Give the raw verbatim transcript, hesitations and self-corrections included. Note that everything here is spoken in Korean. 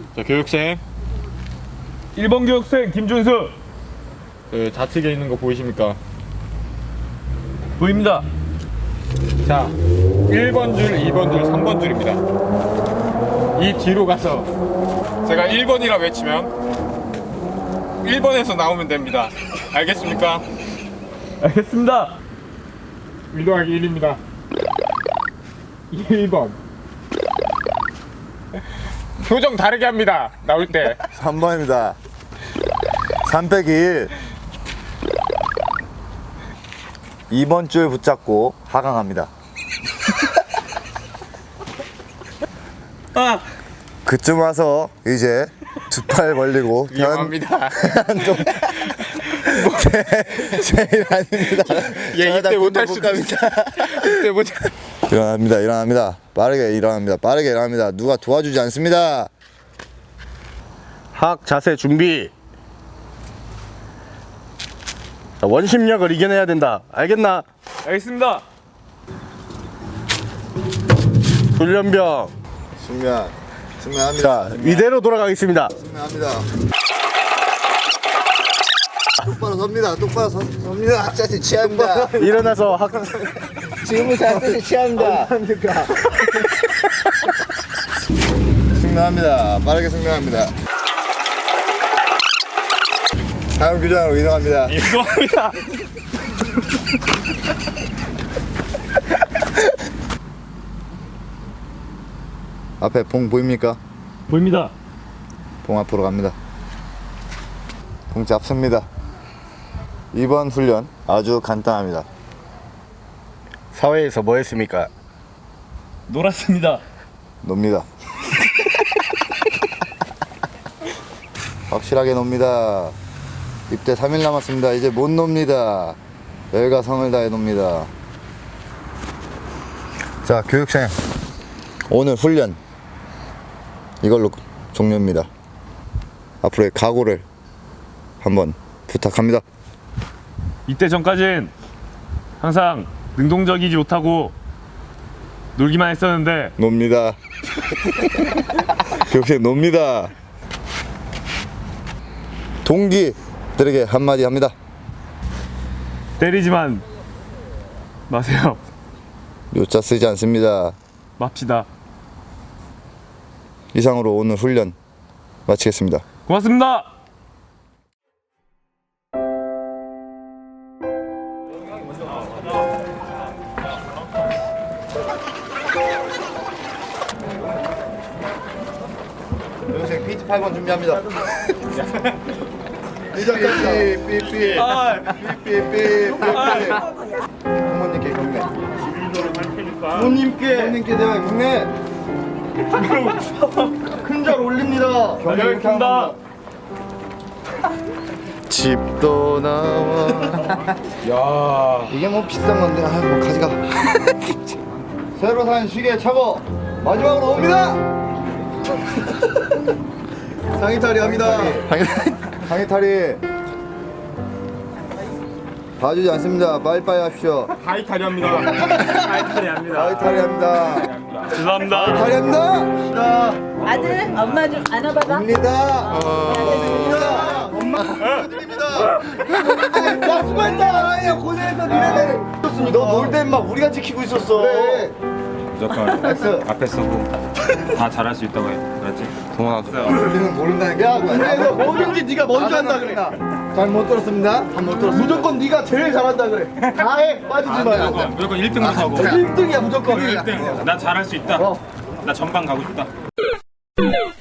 자, 교육생. 일 번 교육생 김준수. 그 좌측에 있는 거 보이십니까? 보입니다. 자, 일 번 줄, 이 번 줄, 삼 번 줄입니다. 이 뒤로 가서 제가 일 번이라 외치면 일 번에서 나오면 됩니다. 알겠습니까? 알겠습니다. 일 더하기 일입니다. 일 번. 표정 다르게 합니다. 나올 때. 삼 번입니다. 삼 빼기 일. 이 번 줄 붙잡고 하강합니다. 아, 그쯤 와서 이제 두 팔 벌리고 위험합니다. 좀 제, 제일 아닙니다. 예, 이때 못할 수도 있다. 이때 못. 일어납니다. 일어납니다. 빠르게 일어납니다. 빠르게 일어납니다. 누가 도와주지 않습니다. 학 자세 준비. 자, 원심력을 이겨내야 된다. 알겠나? 알겠습니다. 훈련병. 숙면. 숙면합니다. 자, 이대로 돌아가겠습니다. 숙면합니다. 똑바로 섭니다. 똑바로 서, 섭니다. 자세 취합니다. 일어나서 학 지금부터 자세 취합니다. 숙면합니다. 빠르게 숙면합니다. 다음 규정으로 이동합니다. 이동합니다. 앞에 봉 보입니까? 보입니다. 봉 앞으로 갑니다. 봉 잡습니다. 이번 훈련 아주 간단합니다. 사회에서 뭐 했습니까? 놀았습니다. 놉니다. 확실하게 놉니다. 입대 삼 일 남았습니다. 이제 못 놉니다. 열과 성을 다해 놉니다. 자, 교육생 오늘 훈련 이걸로 종료입니다. 앞으로의 각오를 한번 부탁합니다. 이때 전까진 항상 능동적이지 못하고 놀기만 했었는데 놉니다. 교육생 놉니다. 동기들에게 한마디 합니다. 때리지만 마세요. 요자 쓰지 않습니다. 맙시다. 이상으로 오늘 훈련 마치겠습니다. 고맙습니다. 교육생 피티 팔 번 준비합니다. 삐삐삐 삐삐 삐삐삐 부모님께 경례. 부모님께 부모님께 대한 경례. 큰 절 올립니다. 다녀오겠습니다. 집도 나와. 야, 이게 뭐 비싼 건데, 아유 뭐 가져가. 새로 산 시계 차고 마지막으로 옵니다. 상의탈이 합니다. 상의탈이 봐주지 않습니다. 빨리빨리 하십시오. 하이탈이 합니다. 하이탈이 합니다. 상의탈이 합니다. 죄송합니다. 상의탈이 합니다. 아들, 엄마 좀 안아봐봐. 입니다. 입니다. 엄마 드립니다. 나 수고했다. 아니야 고생했어 니네들. 너 놀 땐 막 우리가 지키고 있었어. 그래. 무조건 엑스. 앞에 서고 다 잘할 수 있다고 해. 그렇지? 도망갔어요. 우리는 모른다는 게. 야 군대에서 뭐든지 네가 먼저 한다 그래. 잘 못 들었습니다. 못 들었어. 무조건 네가 제일 잘한다 그래. 다 해. 빠지지 말고. 무조건, 무조건 일 등부터 하고. 일 등이야 무조건. 일 등. 나 잘할 수 있다. 나 전방 가고 싶다.